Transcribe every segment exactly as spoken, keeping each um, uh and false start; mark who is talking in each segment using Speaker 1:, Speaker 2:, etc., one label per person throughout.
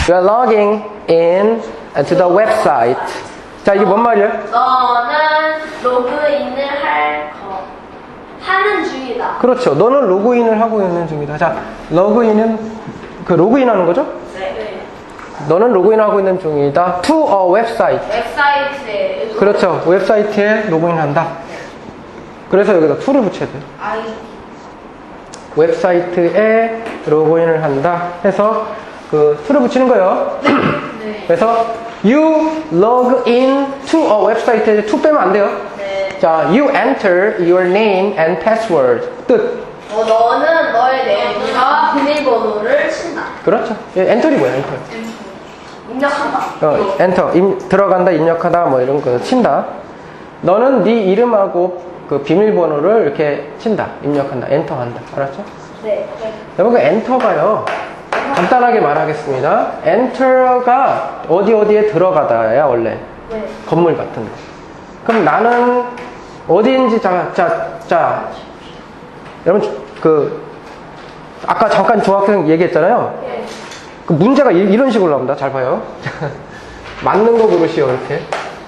Speaker 1: You are logging in to the website. 자, 이게 뭔 말이야?
Speaker 2: 너는 로그인을 할 거. 하는 중이다.
Speaker 1: 그렇죠. 너는 로그인을 하고 있는 중이다. 자, 로그인은 그 로그인 하는 거죠?
Speaker 2: 네.
Speaker 1: 너는 로그인하고 있는 중이다. To a website.
Speaker 2: 웹사이트에.
Speaker 1: 그렇죠. 웹사이트에 로그인한다. 그래서 여기다 to를 붙여야 돼요.
Speaker 2: 아이.
Speaker 1: 웹사이트에 로그인을 한다 해서 그 to를 붙이는 거예요.
Speaker 2: 네.
Speaker 1: 그래서 you log in to a website에 to 빼면 안 돼요.
Speaker 2: 네.
Speaker 1: 자, you enter your name and password. 뜻.
Speaker 2: 어, 너는 너의 내용과 비밀번호를 친다.
Speaker 1: 그렇죠. 예, 엔터리 뭐야, 엔터.
Speaker 2: 입력한다.
Speaker 1: 어, 엔터. 임, 들어간다, 입력하다, 뭐 이런 거 친다. 너는 네 이름하고 그 비밀번호를 이렇게 친다, 입력한다, 엔터한다. 알았죠?
Speaker 2: 네. 네.
Speaker 1: 여러분, 그 엔터가요. 간단하게 말하겠습니다. 엔터가 어디 어디에 들어가다야, 원래.
Speaker 2: 네.
Speaker 1: 건물 같은 거. 그럼 나는 어디인지 자, 자, 자. 여러분, 그, 아까 잠깐 조학생 얘기했잖아요.
Speaker 2: 네.
Speaker 1: 그 문제가 이, 이런 식으로 나옵니다. 잘 봐요. 맞는 거 고르시오, 이렇게.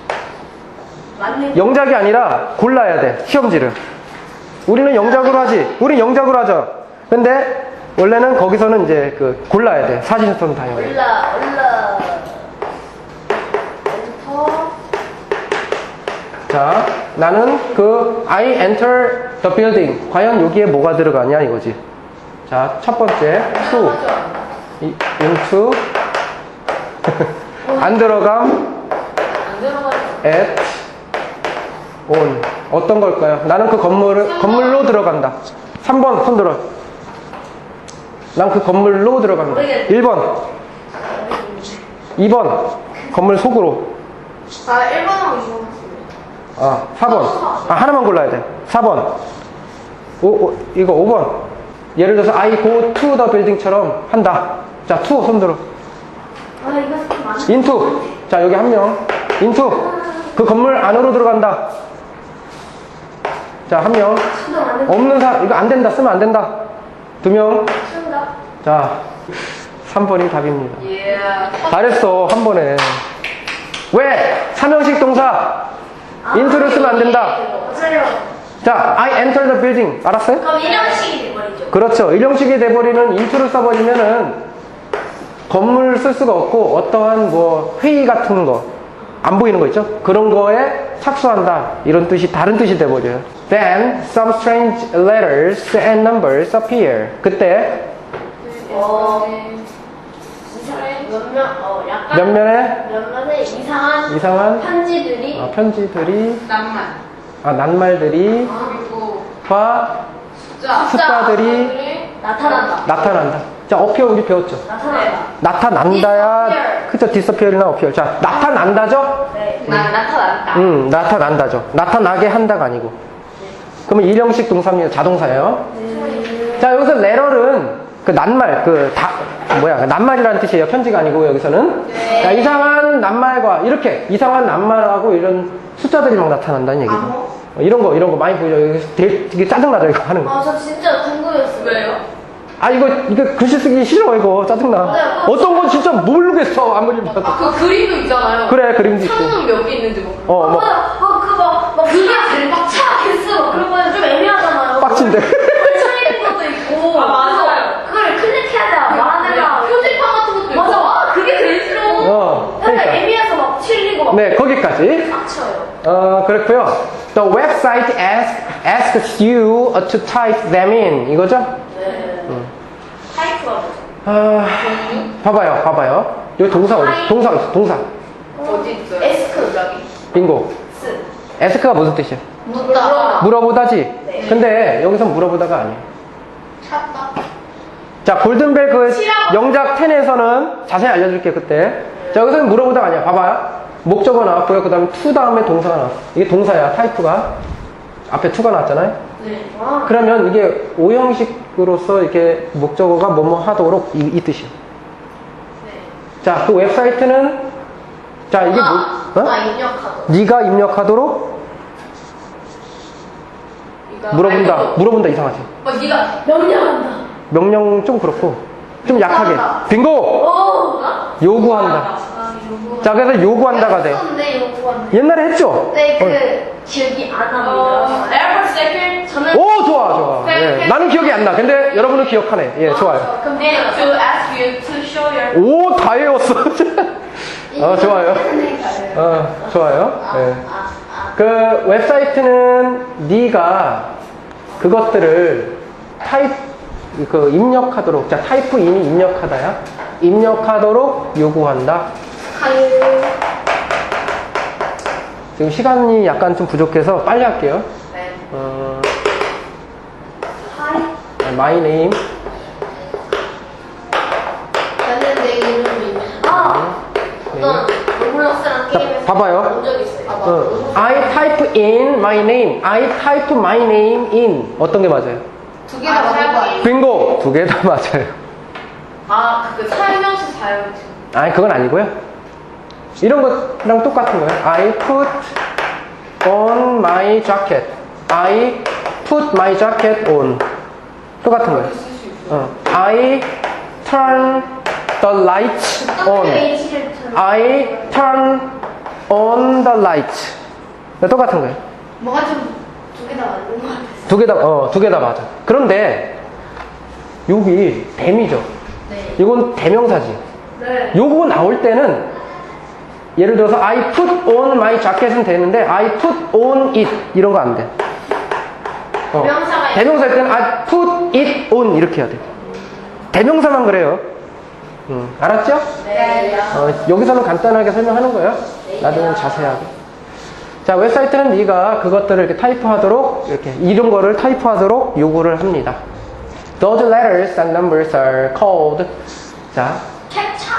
Speaker 2: 맞는
Speaker 1: 영작이 아니라 골라야 돼, 시험지를. 우리는 영작으로 하지. 우린 영작으로 하죠. 근데 원래는 거기서는 이제 그 골라야 돼. 사진선 다요.
Speaker 2: 올라 올라. 엔터.
Speaker 1: 자, 나는 그 I enter the building. 과연 여기에 뭐가 들어가냐 이거지. 자, 첫 번째 to 이, into 안 들어감
Speaker 2: 안 들어가죠.
Speaker 1: at on 어떤 걸까요? 나는 그 건물을 건물로 들어간다. 삼 번 손 들어. 난 그 건물로 들어간다. 일 번 이 번 건물 속으로.
Speaker 2: 아, 일 번하고 이 번.
Speaker 1: 아, 사 번. 아, 하나만 골라야 돼. 사 번. 오, 오, 이거 오 번. 예를 들어서 I go to the building처럼 한다. 자, to 손 들어.
Speaker 2: 아, 이거 좀 많아.
Speaker 1: into. 자, 여기 한 명. into. 그 건물 안으로 들어간다. 자, 한 명.
Speaker 2: 수도 안 된다.
Speaker 1: 없는 사람, 이거 안 된다. 쓰면 안 된다. 두 명.
Speaker 2: 쓴다.
Speaker 1: 자, 삼 번이 답입니다.
Speaker 2: 예.
Speaker 1: 잘했어, 한 번에. 왜? 삼형식 동사. into를 쓰면 안 된다.
Speaker 2: 맞아요.
Speaker 1: 자, I enter the building. 알았어요?
Speaker 2: 그럼 일형식이 돼버리죠.
Speaker 1: 그렇죠. 일형식이 돼버리는 into를 써버리면은 건물 쓸 수가 없고 어떠한 뭐 회의 같은 거 안 보이는 거 있죠? 그런 거에 착수한다. 이런 뜻이 다른 뜻이 돼버려요. Then some strange letters and numbers appear. 그때
Speaker 2: 어, 이상한 몇몇 어 약간
Speaker 1: 몇몇의
Speaker 2: 몇몇의 이상한
Speaker 1: 이상한
Speaker 2: 편지들이
Speaker 1: 어, 편지들이
Speaker 2: 낭만
Speaker 1: 아, 낱말들이
Speaker 2: 그리고
Speaker 1: 과
Speaker 2: 숫자
Speaker 1: 숫자들이
Speaker 2: 나타난다.
Speaker 1: 나타난다. 자, appear 우리 배웠죠?
Speaker 2: 나타난다.
Speaker 1: 나타난다야.
Speaker 2: Disappear.
Speaker 1: 그쵸? disappear이나 appear. 자, 나타난다죠?
Speaker 2: 네. 나 나타난다.
Speaker 1: 음, 나타난다죠. 나타나게 한다가 아니고. 그러면 일형식 동사입니다. 자동사예요.
Speaker 2: 네.
Speaker 1: 자, 여기서 letter은 그 낱말, 그 다, 뭐야, 낱말이라는 뜻이에요. 편지가 아니고 여기서는.
Speaker 2: 네.
Speaker 1: 자, 이상한 낱말과 이렇게 이상한 낱말하고 이런 숫자들이 막 나타난다는 얘기죠.
Speaker 2: 암호?
Speaker 1: 어, 이런 거, 이런 거 많이 보이죠. 여기 되게, 되게 짜증나죠, 이거 하는 거.
Speaker 2: 아, 저 진짜 궁금했어요. 왜요?
Speaker 1: 아, 이거, 이거 글씨 쓰기 싫어, 이거. 짜증나.
Speaker 2: 네,
Speaker 1: 어떤 건 진짜 모르겠어, 아무리 봐도.
Speaker 3: 아, 그 그림도 있잖아요.
Speaker 1: 그래, 그림도 있고.
Speaker 3: 창문 몇 개 있는지 뭐.
Speaker 1: 어, 뭐,
Speaker 2: 어, 그막 막 그게 제일 빡차 개수 그런 거는 좀 애매하잖아요.
Speaker 1: 빡친데.
Speaker 2: 펼쳐 있는 것도 있고.
Speaker 3: 아, 맞아요.
Speaker 2: 그걸 클릭해야 돼. 말하느라.
Speaker 3: 표지판 같은 것도 있고.
Speaker 2: 맞아. 아, 그게 제일 싫어.
Speaker 1: 어,
Speaker 2: 약간
Speaker 1: 그러니까.
Speaker 2: 애매해서 막 칠리고 막
Speaker 1: 네, 거기까지.
Speaker 2: 빡쳐요.
Speaker 1: 어, 그렇고요. The website asks, asks you to type them in. 이거죠?
Speaker 2: 네.
Speaker 1: 음.
Speaker 2: 타이프가 뭐죠?
Speaker 1: 아, 봐봐요, 봐봐요. 여기 동사 어디? 동사 어디? 동사.
Speaker 3: 어디 있어요?
Speaker 2: 에스크.
Speaker 3: 여기.
Speaker 1: 빙고.
Speaker 2: 스.
Speaker 1: ask가 무슨 뜻이야?
Speaker 2: 묻다.
Speaker 1: 물어보다지?
Speaker 2: 네.
Speaker 1: 근데 여기서 물어보다가 아니에요.
Speaker 2: 찾다.
Speaker 1: 자, 골든벨 그
Speaker 2: 치라고.
Speaker 1: 영작 텐에서는 자세히 알려줄게요, 그때. 자, 여기서는 물어보다가 아니야. 봐봐요. 목적어 나왔고요. 그 다음에 to 다음에 동사가 나왔어. 이게 동사야, 타이프가. 앞에 to가 나왔잖아요.
Speaker 2: 네. 아.
Speaker 1: 그러면 이게 오형식으로서 이렇게 목적어가 뭐뭐 하도록 이, 이 뜻이에요.
Speaker 2: 네.
Speaker 1: 자, 그 웹사이트는 자, 이게
Speaker 2: 아,
Speaker 1: 뭐? 어?
Speaker 2: 아, 입력하도.
Speaker 1: 네가 입력하도록
Speaker 3: 그러니까
Speaker 1: 물어본다.
Speaker 3: 알고.
Speaker 1: 물어본다 이상하지.
Speaker 3: 어, 네가
Speaker 2: 명령한다.
Speaker 1: 명령 좀 그렇고 좀 약하게.
Speaker 2: 이상하다.
Speaker 1: 빙고!
Speaker 2: 오.
Speaker 1: 요구한다.
Speaker 2: 아, 요구.
Speaker 1: 자, 그래서 요구한다가 돼.
Speaker 2: 했었는데 요구한다.
Speaker 1: 옛날에 했죠?
Speaker 2: 네,
Speaker 1: 어.
Speaker 2: 그 기억이 안
Speaker 3: 어,
Speaker 2: 납니다.
Speaker 3: 에어포트 세컨드.
Speaker 2: 저는
Speaker 1: 오, 좋아, 좋아. 예. 나는 기억이 안 나. 근데 여러분은 기억하네. 예, 좋아요.
Speaker 3: 근데 to ask you to show your.
Speaker 1: 오, 다 외웠어. 어, 좋아요. 어, 좋아요. 예. 그 웹사이트는 네가 그것들을 타입 그 입력하도록, 자, 타이프 인이 입력하다야. 입력하도록 요구한다. 지금 시간이 약간 좀 부족해서 빨리 할게요.
Speaker 3: 네.
Speaker 1: 어, my name.
Speaker 2: 저는 내 이름이 아 어떤 로블록스랑
Speaker 1: 자,
Speaker 2: 게임에서
Speaker 1: 봐봐요.
Speaker 2: 본적 있어요. 봐봐.
Speaker 1: 어, I type in my name. I type my name in. 어떤 게 맞아요?
Speaker 3: 두 개 다 사용이.
Speaker 1: 빙고! 두 개 다 맞아요.
Speaker 3: 아, 그 사용시 사용시.
Speaker 1: 아니, 그건 아니고요. 이런 거랑 똑같은 거예요. I put on my jacket. I put my jacket on. 똑같은 거예요. 어. I turn the lights on.
Speaker 2: H를 turn.
Speaker 1: I turn on the lights. 똑같은 거예요.
Speaker 2: 뭐가 좀 두 개 다 맞는 것 같아서.
Speaker 1: 두 개 다, 어, 두 개 다 맞아. 그런데, 여기 대미죠.
Speaker 2: 네.
Speaker 1: 이건 대명사지.
Speaker 2: 네.
Speaker 1: 요거 나올 때는, 예를 들어서, I put on my jacket은 되는데, I put on it. 이런 거 안 돼. 어.
Speaker 2: 대명사가
Speaker 1: 대명사일 때는, I put it on. 이렇게 해야 돼. 대명사만 그래요. 음, 알았죠?
Speaker 2: 네.
Speaker 1: 어, 여기서는 간단하게 설명하는 거예요. 나중엔 자세하게. 자, 웹사이트는 네가 그것들을 이렇게 타이프하도록, 이렇게 이런 거를 타이프하도록 요구를 합니다. Those letters and numbers are called. 자,
Speaker 2: 캡차.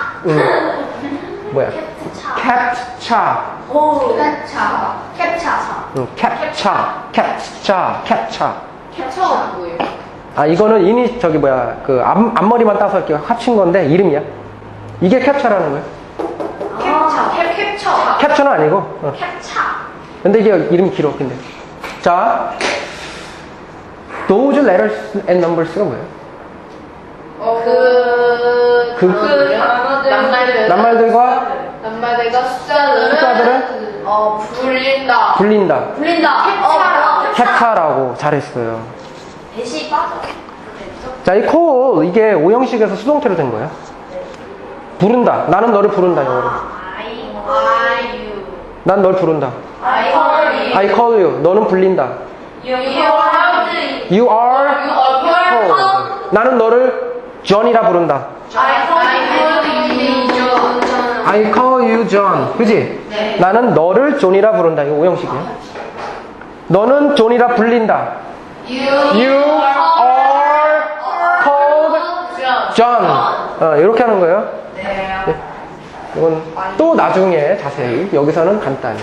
Speaker 1: 음, 뭐야?
Speaker 2: 캡차.
Speaker 1: 캡차.
Speaker 2: 오. 캡차. 캡차.
Speaker 1: 음, 캡차. 캡차. 캡차.
Speaker 3: 캡처가 뭐예요?
Speaker 1: 아, 이거는 이니 저기 뭐야? 그 앞, 앞머리만 따서 이렇게 합친 건데 이름이야. 이게 캡차라는 거예요.
Speaker 2: 캡차.
Speaker 3: 캡, 캡처.
Speaker 1: 캡처는 아니고. 어.
Speaker 2: 캡차.
Speaker 1: 근데 이게 이름이 길어, 근데. 자, those letters and numbers가 뭐예요?
Speaker 3: 어, 그,
Speaker 1: 그-
Speaker 3: 그 단어들, 낱말들,
Speaker 1: 낱말들과
Speaker 3: 낱말들과 숫자들은,
Speaker 1: 숫자들은
Speaker 3: 어, 불린다.
Speaker 1: 불린다.
Speaker 2: 불린다. 캡차라.
Speaker 1: 캡차라고 잘했어요.
Speaker 2: 대시 빠져. 됐죠?
Speaker 1: 자, 이 call, 이게 오형식에서 수동태로 된 거예요. 부른다. 나는 너를 부른다, 영어로.
Speaker 2: I
Speaker 3: I, you.
Speaker 1: 난 널 부른다.
Speaker 3: I call you.
Speaker 1: I call you. 너는 불린다.
Speaker 3: You are called.
Speaker 1: You are
Speaker 3: You are
Speaker 1: called.
Speaker 3: called.
Speaker 1: 나는 너를 John이라 부른다.
Speaker 3: I call you John.
Speaker 1: I call you John. 그지?
Speaker 3: 네.
Speaker 1: 나는 너를 존이라 부른다. 이거 오형식이에요. 너는 존이라 불린다.
Speaker 3: You,
Speaker 1: You are called John. 어, 이렇게 하는 거예요.
Speaker 3: 네.
Speaker 1: 이건 또 나중에 자세히, 여기서는 간단히.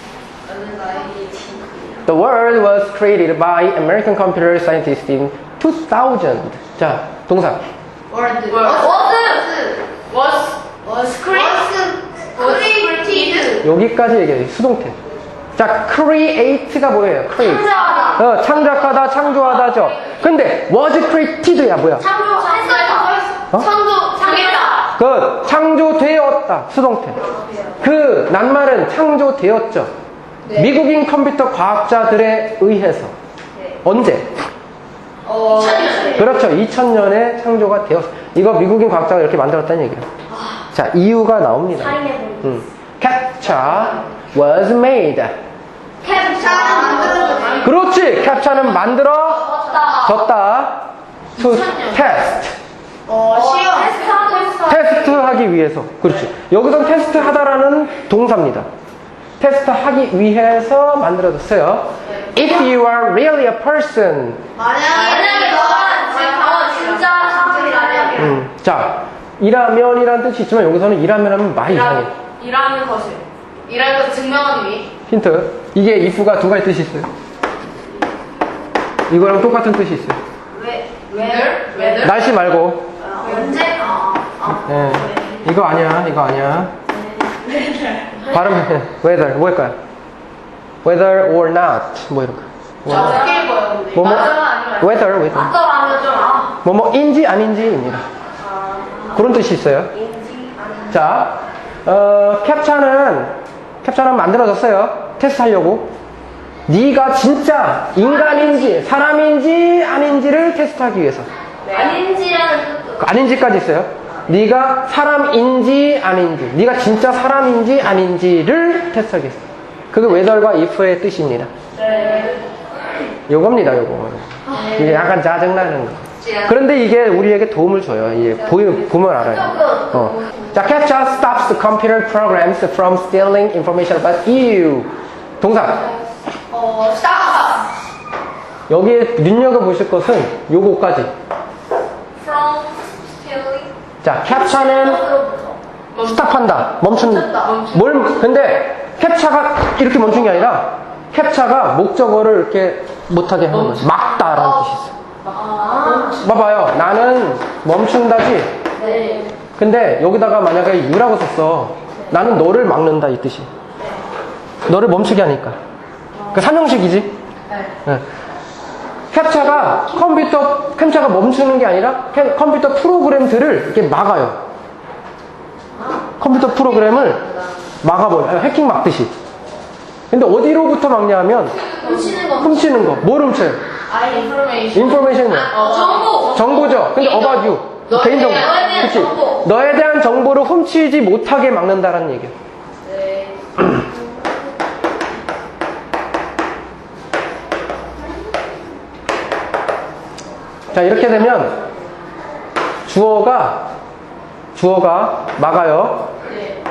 Speaker 1: The word was created by American computer scientists in two thousand. 자, 동사.
Speaker 2: 월드.
Speaker 3: Was.
Speaker 2: was.
Speaker 3: Was
Speaker 2: was created.
Speaker 1: 여기까지 얘기해요. 수동태. 자, create가 뭐예요? create.
Speaker 2: 창조하다.
Speaker 1: 어, 창작하다, 창조하다죠. 근데 was created야 뭐야?
Speaker 2: 창조했었다.
Speaker 1: 어?
Speaker 2: 창조. 창했다.
Speaker 1: 그 창조되었다. 수동태. 그 낱말은 창조되었죠. 미국인 컴퓨터 과학자들에 의해서. 언제?
Speaker 2: 어. 이천년.
Speaker 1: 그렇죠. 이천 년에 창조가 되었어. 이거 미국인 과학자가 이렇게 만들었다는 얘기예요. 자, 이유가 나옵니다.
Speaker 2: 살인해버린.
Speaker 1: 음. Captcha was made.
Speaker 2: 캡차는 만들어졌다.
Speaker 1: 그렇지. 캡차는 만들어졌다. To test.
Speaker 2: 어, 시험. 테스트하고 있어.
Speaker 1: 테스트하기 위해서. 그렇지. 여기서 테스트 하다라는 동사입니다. 테스트하기 위해서 만들어졌어요. If you are really a person.
Speaker 2: 만약에 너가 지금 진짜 사람이라면.
Speaker 1: 음, 자, 이라면이라는 뜻이 있지만 여기서는 이라면 하면 많이 이상해.
Speaker 3: 일하는 것을. 일하는 것을 증명하기 위해.
Speaker 1: 힌트. 이게 if가 두 가지 뜻이 있어요. 이거랑 똑같은 뜻이 있어요.
Speaker 2: 왜?
Speaker 3: Whether? Whether?
Speaker 1: 날씨 말고.
Speaker 2: 언제? 아, 아.
Speaker 1: 예. 이거 아니야. 이거 아니야. 발음, whether, 뭘까요? whether or not. 뭐 이런 거. 뭐,
Speaker 3: 어떻게 읽어요, 근데?
Speaker 1: 뭐, 뭐,
Speaker 3: 맞아가 아니면
Speaker 1: whether, whether.
Speaker 2: 맞더라면 좀 아.
Speaker 1: 뭐, 뭐인지 아닌지입니다. 그런 뜻이 있어요.
Speaker 2: 인지
Speaker 1: 자, 어, 캡차는 캡차는 만들어졌어요. 테스트하려고. 네가 진짜 인간인지 사람인지 아닌지를 테스트하기 위해서.
Speaker 2: 아닌지라는 뜻도.
Speaker 1: 아닌지까지 있어요. 네가 사람인지 아닌지, 네가 진짜 사람인지 아닌지를 테스트하기 위해서. 그게 whether과 if의 뜻입니다.
Speaker 2: 네.
Speaker 1: 요겁니다, 요거. 이게 약간 짜증나는 거. 그런데 이게 우리에게 도움을 줘요. 이게 보이, 보면 알아요. 어. 자, CAPTCHA stops the computer programs from stealing information about you. 동사.
Speaker 2: 어, 스타가.
Speaker 1: 여기에 눈여겨보실 것은 요거까지.
Speaker 2: From stealing.
Speaker 1: 자, 캡차는 스탑한다. 멈춘. 뭘, 근데 캡차가 이렇게 멈춘 게 아니라 캡차가 목적어를 이렇게 못하게 하는 거지. 막다라는 뜻이 있어요.
Speaker 2: 아.
Speaker 1: 봐봐요. 나는 멈춘다지.
Speaker 2: 네.
Speaker 1: 근데 여기다가 만약에 유라고 썼어. 나는 너를 막는다 이 뜻이. 너를 멈추게 하니까. 그 삼형식이지. 네. 캡차가 컴퓨터 캡차가 멈추는 게 아니라 캡- 컴퓨터 프로그램들을 이렇게 막아요. 컴퓨터 프로그램을 막아버려. 해킹 막듯이. 근데 어디로부터 막냐면
Speaker 2: 훔치는 거.
Speaker 1: 훔치는 거. 뭘 훔쳐요?
Speaker 2: 아, 인포메이션.
Speaker 1: 인포메이션이 뭐야?
Speaker 2: 어, 정보.
Speaker 1: 정보죠. 근데 about you.
Speaker 2: 너에
Speaker 1: 개인정보.
Speaker 2: 대한- 너에 대한
Speaker 1: 그치?
Speaker 2: 정보.
Speaker 1: 너에 대한 정보를 훔치지 못하게 막는다라는 얘기야.
Speaker 2: 네.
Speaker 1: 자, 이렇게 되면 주어가 주어가 막아요.
Speaker 2: 네.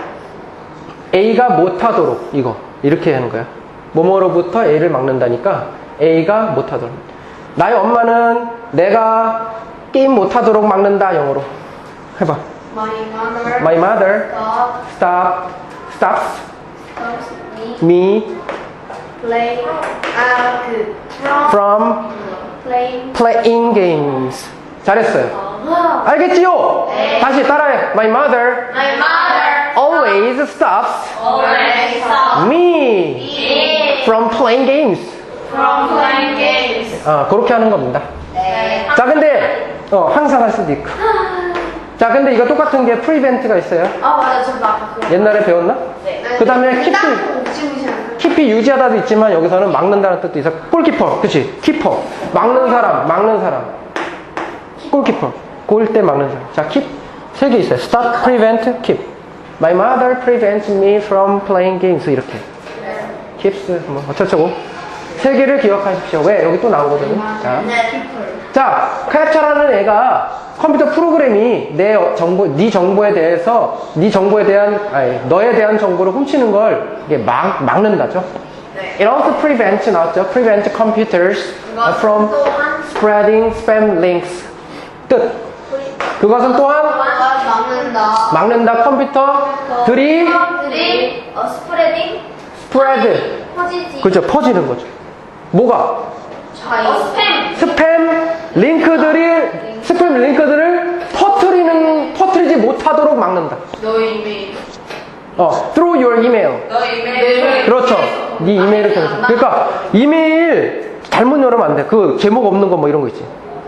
Speaker 1: A가 못하도록 이거 이렇게 하는 거야. 뭐뭐로부터 A를 막는다니까 A가 못하도록. 나의 엄마는 내가 게임 못하도록 막는다. 영어로 해봐.
Speaker 2: My mother
Speaker 1: My mother
Speaker 2: stopped
Speaker 1: stop stops
Speaker 2: stops me
Speaker 1: me
Speaker 2: play 아, 그 from
Speaker 1: from
Speaker 2: playing.
Speaker 1: playing games. 잘했어요.
Speaker 2: 아.
Speaker 1: 알겠지요?
Speaker 2: 네.
Speaker 1: 다시 따라해. My mother
Speaker 2: My mother
Speaker 1: always stops
Speaker 2: always stops
Speaker 1: me
Speaker 2: me
Speaker 1: from playing games.
Speaker 2: from playing games.
Speaker 1: 어, 그렇게 하는 겁니다.
Speaker 2: 네.
Speaker 1: 자, 근데 어, 항상 할 수도 있고. 자, 근데 이거 똑같은 게 prevent가 있어요.
Speaker 2: 아, 맞아. 저도 아까 그거.
Speaker 1: 옛날에 배웠나?
Speaker 2: 네.
Speaker 1: 그 다음에 keep,
Speaker 2: 옥지무시한
Speaker 1: keep 유지하다도 있지만 여기서는 막는다는 뜻도 있어. 골키퍼, 그치? 키퍼. 막는 사람, 막는 사람. 골키퍼. 골 때 막는 사람. 자, keep. 세 개 있어요. stop, prevent, keep. My mother prevents me from playing games. 이렇게. keeps, 뭐, 어쩌고저쩌고. 세 개를 기억하십시오. 왜? 여기 또 나오거든요. 자.
Speaker 2: 네.
Speaker 1: 자, 캡처라는 애가 컴퓨터 프로그램이 내 정보, 네 정보에 대해서, 네 정보에 대한, 아니, 너에 대한 정보를 훔치는 걸 이게 막, 막는다죠.
Speaker 2: 네.
Speaker 1: It also prevents, 나왔죠. Prevent computers from spreading spam links. 뜻. 그것은 또한
Speaker 2: 막는다.
Speaker 1: 막는다 컴퓨터들이
Speaker 2: 들이 어, 스프레딩
Speaker 1: spread.
Speaker 2: 퍼지지.
Speaker 1: 그죠. 퍼지는 거죠. 뭐가?
Speaker 2: 자이. 어, 스팸.
Speaker 1: 스팸 링크들이 스팸 링크들을 퍼뜨리는 퍼뜨리지 못하도록 막는다.
Speaker 3: 너의 이메일.
Speaker 1: 어, through your email.
Speaker 3: 너의 이메일.
Speaker 1: 그렇죠. 네 이메일을 통해서. 그러니까 이메일 잘못 열으면 안 돼. 그 제목 없는 거 뭐 이런 거 있지.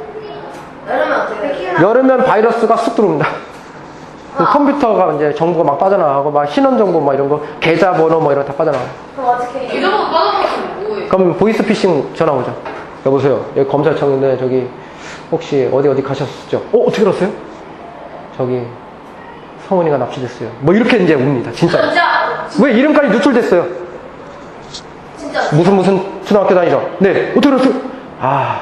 Speaker 2: 열으면 어떻게?
Speaker 1: 열으면 바이러스가 쑥 들어옵니다. 그 컴퓨터가 이제 정보가 막 빠져나가고 막 신원 정보 막 이런 거 계좌번호 뭐 이런 거 다 빠져나가요.
Speaker 2: 그럼 어떻게?
Speaker 3: 계좌번호 빠져나가면 뭐해?
Speaker 1: 그럼 보이스피싱 전화 오죠. 여보세요. 여기 검찰청인데 저기 혹시 어디 어디 가셨었죠? 어 어떻게 알았어요? 저기 성은이가 납치됐어요. 뭐 이렇게 이제 옵니다. 진짜.
Speaker 2: 진짜.
Speaker 1: 왜 이름까지 누출됐어요?
Speaker 2: 진짜.
Speaker 1: 무슨 무슨 초등학교 다니죠? 네. 어떻게 알았어요? 아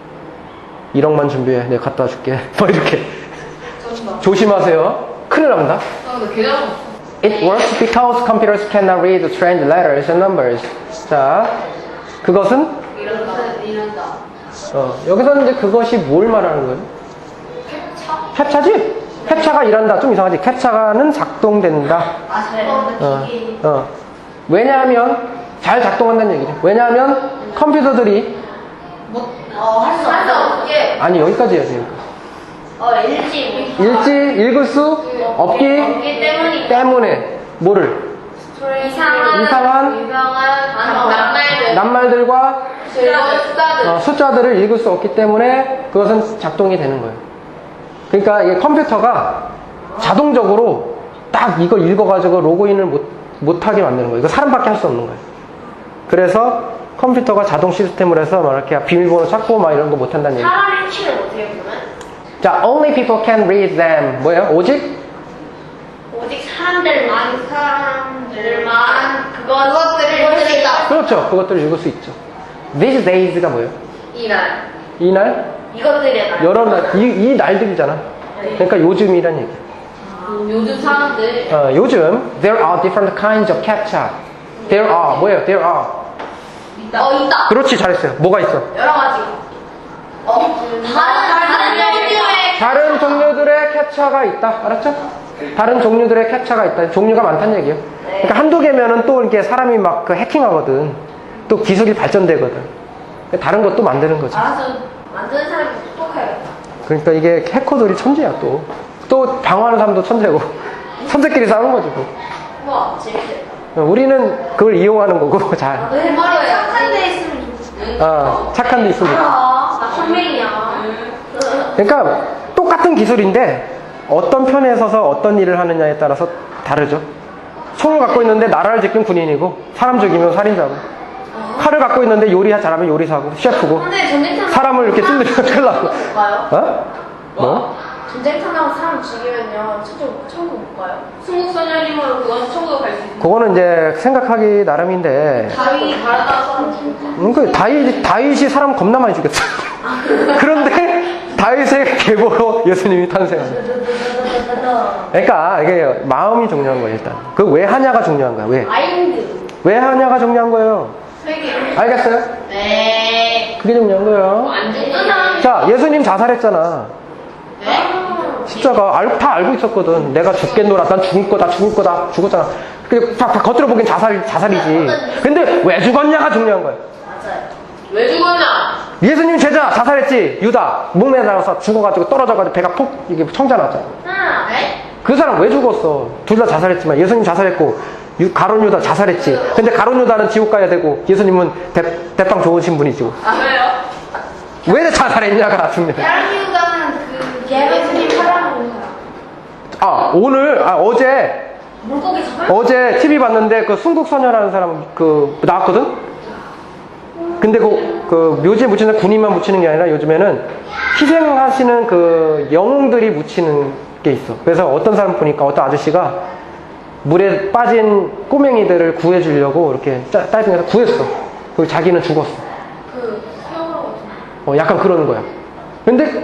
Speaker 1: 일억만 준비해. 내가 갖다 줄게. 뭐 이렇게.
Speaker 3: 쩐다.
Speaker 1: 조심하세요. 큰일 납니다.
Speaker 3: 아, 근데 계좌번호.
Speaker 1: It works because computers cannot read strange letters and numbers. 자, 그것은
Speaker 3: 이런다. 이런다.
Speaker 1: 어, 여기서는 이제 그것이 뭘 말하는 거예요? 캡차지? 캡차가 일한다. 좀 이상하지? 캡차는 작동된다.
Speaker 2: 아, 잘.
Speaker 1: 어, 어. 왜냐하면 잘 작동한다는 얘기죠. 왜냐하면 컴퓨터들이
Speaker 2: 어, 할수 없게.
Speaker 1: 아니 여기까지 해야 돼요.
Speaker 2: 어, 일지.
Speaker 1: 읽지 읽을 수 없기
Speaker 2: 없기 때문이.
Speaker 1: 때문에 뭐를
Speaker 2: 이상한.
Speaker 1: 이상한
Speaker 2: 이상한
Speaker 3: 낱말들.
Speaker 1: 낱말들과
Speaker 2: 숫자들.
Speaker 1: 어, 숫자들을 읽을 수 없기 때문에 그것은 작동이 되는 거예요. 그러니까 이게 컴퓨터가 자동적으로 딱 이거 읽어가지고 로그인을 못, 못하게 만드는 거예요. 이거 사람밖에 할 수 없는 거예요. 그래서 컴퓨터가 자동 시스템으로 해서 막 이렇게 비밀번호 찾고 막 이런 거 못한다는 얘기.
Speaker 2: 사람 일치는 어떻게 보면?
Speaker 1: 자, only people can read them. 뭐예요? 오직?
Speaker 2: 오직 사람들만 사람들만 그것
Speaker 3: 그것들을
Speaker 2: 그것들을
Speaker 3: 읽을 수 있다.
Speaker 1: 그렇죠. 그것들을 읽을 수 있죠. These days가 뭐예요?
Speaker 3: 이날.
Speaker 1: 이날?
Speaker 2: 이것들의 날.
Speaker 1: 여러 날, 이, 이 날들이잖아. 그러니까 요즘이란 얘기.
Speaker 3: 요즘 사람들.
Speaker 1: 어, 요즘 there are different kinds of captcha. There are 뭐예요? There are.
Speaker 3: 있다. 어 있다.
Speaker 1: 그렇지, 잘했어요. 뭐가 있어?
Speaker 3: 여러 가지. 어
Speaker 2: 다른 다른 종류의
Speaker 1: 다른 종류들의 캡처가 있다. 알았죠? 다른 종류들의 캡처가 있다. 종류가 많다는 얘기예요. 그러니까 한두 개면은 또 이렇게 사람이 막 그 해킹하거든. 또 기술이 발전되거든. 다른 것도 만드는 거죠.
Speaker 2: 알아서 만드는 사람이 똑똑해야겠다.
Speaker 1: 그러니까 이게 해커들이 천재야 또. 또 방어하는 사람도 천재고. 천재끼리 싸우는 거지 뭐.
Speaker 2: 우와 재밌겠다.
Speaker 1: 우리는 그걸 이용하는 거고 잘.
Speaker 2: 너 해머리에 착한 데 있으면 좋겠어.
Speaker 1: 어, 착한 데 있으면 좋지.
Speaker 2: 알아. 나 선맹이야.
Speaker 1: 그러니까 똑같은 기술인데 어떤 편에 서서 어떤 일을 하느냐에 따라서 다르죠. 총을 갖고 있는데 나라를 지킨 군인이고 사람 죽이면 살인자고, 칼을 갖고 있는데 요리 잘하면 요리사고 셰프고,
Speaker 2: 근데 전쟁터
Speaker 1: 사람을 이렇게 찔러면 큰일 나고.
Speaker 2: 못 가요?
Speaker 1: 어? 뭐?
Speaker 2: 전쟁터 나고 사람 죽이면요 천국 천국 못 가요?
Speaker 3: 순국선열님으로 그건 천국에 갈 수 있어.
Speaker 1: 그거는 이제 생각하기 나름인데
Speaker 2: 다윗이 바라다가 사람 죽일까?
Speaker 1: 음, 그 다윗, 다윗이 사람 겁나 많이 죽였어. 그런데 다윗의 계보로 예수님이 탄생합니다. 그러니까 이게 마음이 중요한 거예요. 일단 그 왜 하냐가 중요한 거야. 왜?
Speaker 2: 마인드.
Speaker 1: 왜 하냐가 중요한 거예요.
Speaker 2: 세계.
Speaker 1: 알겠어요?
Speaker 2: 네.
Speaker 1: 그게 중요한 거예요.
Speaker 3: 안 죽는
Speaker 2: 어떤
Speaker 3: 사람.
Speaker 2: 사람?
Speaker 1: 자, 예수님 자살했잖아.
Speaker 3: 네?
Speaker 1: 십자가 알, 다 알고 있었거든. 내가 죽겠노라. 난 죽을 거다. 죽을 거다. 죽었잖아. 근데 다, 다 겉으로 보기엔 자살, 자살이지. 근데 왜 죽었냐가 중요한 거야.
Speaker 2: 맞아요.
Speaker 3: 왜 죽었냐?
Speaker 1: 예수님 제자 자살했지. 유다 목매달아서 죽어가지고 떨어져가지고 배가 푹 이게 청자 났잖아.
Speaker 2: 하나.
Speaker 3: 네?
Speaker 1: 그 사람 왜 죽었어? 둘 다 자살했지만 예수님 자살했고 유- 가론 유다 자살했지. 근데 가론 유다는 지옥 가야 되고 예수님은 대, 대빵 좋으신 분이지고.
Speaker 3: 아 왜요?
Speaker 1: 왜 자살했냐가 중요해.
Speaker 2: 야르기우다는 그 예수님 사랑하는 사람.
Speaker 1: 아 오늘 아 어제
Speaker 2: 물고기 잡아요?
Speaker 1: 어제 티비 봤는데 그 순국선열하는 사람 그 나왔거든. 근데 그, 그 묘지에 묻히는 군인만 묻히는 게 아니라 요즘에는 희생하시는 그 영웅들이 묻히는 게 있어. 그래서 어떤 사람 보니까 어떤 아저씨가 물에 빠진 꼬맹이들을 구해주려고 이렇게 짜- 다이빙해서 구했어. 그 자기는 죽었어.
Speaker 2: 그 수영하고 있잖아.
Speaker 1: 어, 약간 그러는 거야. 근데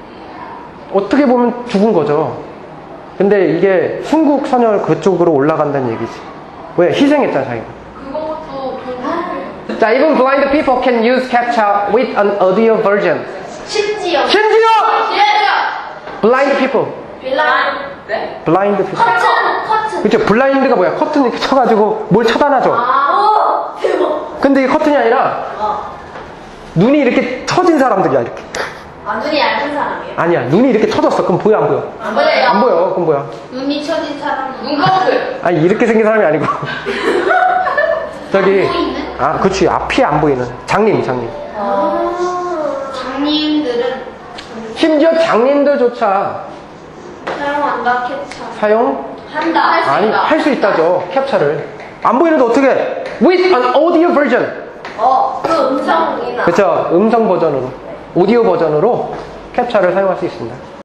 Speaker 1: 어떻게 보면 죽은 거죠. 근데 이게 순국선열 그쪽으로 올라간다는 얘기지. 왜? 희생했잖아 자기가.
Speaker 3: 그것도 돈
Speaker 1: 자, even blind people can use CAPTCHA with an audio version.
Speaker 2: 심지어.
Speaker 1: 심지어
Speaker 3: 시작!
Speaker 1: blind people,
Speaker 2: 빌라.
Speaker 3: 네?
Speaker 1: blind people.
Speaker 2: 커튼. 커튼.
Speaker 1: 그쵸? 블라인드가 뭐야? 커튼 이렇게 쳐가지고 뭘 차단하죠.
Speaker 2: 아. 오. 대박.
Speaker 1: 근데 이 커튼이 아니라
Speaker 2: 어.
Speaker 1: 눈이 이렇게 터진 사람들이야 이렇게.
Speaker 2: 아 눈이 얇은 사람이에요?
Speaker 1: 아니야, 눈이 이렇게 터졌어. 그럼 보여 안 보여?
Speaker 2: 안 보여요.
Speaker 1: 안 보여. 그럼 뭐야?
Speaker 2: 눈이 처진 사람.
Speaker 3: 눈꺼풀.
Speaker 1: 아니 이렇게 생긴 사람이 아니고 저기 아, 그치. 앞이 안 보이는 장님, 장님.
Speaker 2: 아. 장님들은
Speaker 1: 심지어 장님들조차
Speaker 2: 사용한다 캡처.
Speaker 1: 사용
Speaker 2: 한다. 할수
Speaker 1: 아니
Speaker 2: 있다.
Speaker 1: 할 수 있다죠. 캡처를 안 보이는데 어떻게? With an audio version.
Speaker 2: 어. 그 음성이나.
Speaker 1: 그쵸? 음성 버전으로, 오디오 버전으로 캡처를 사용할 수 있습니다.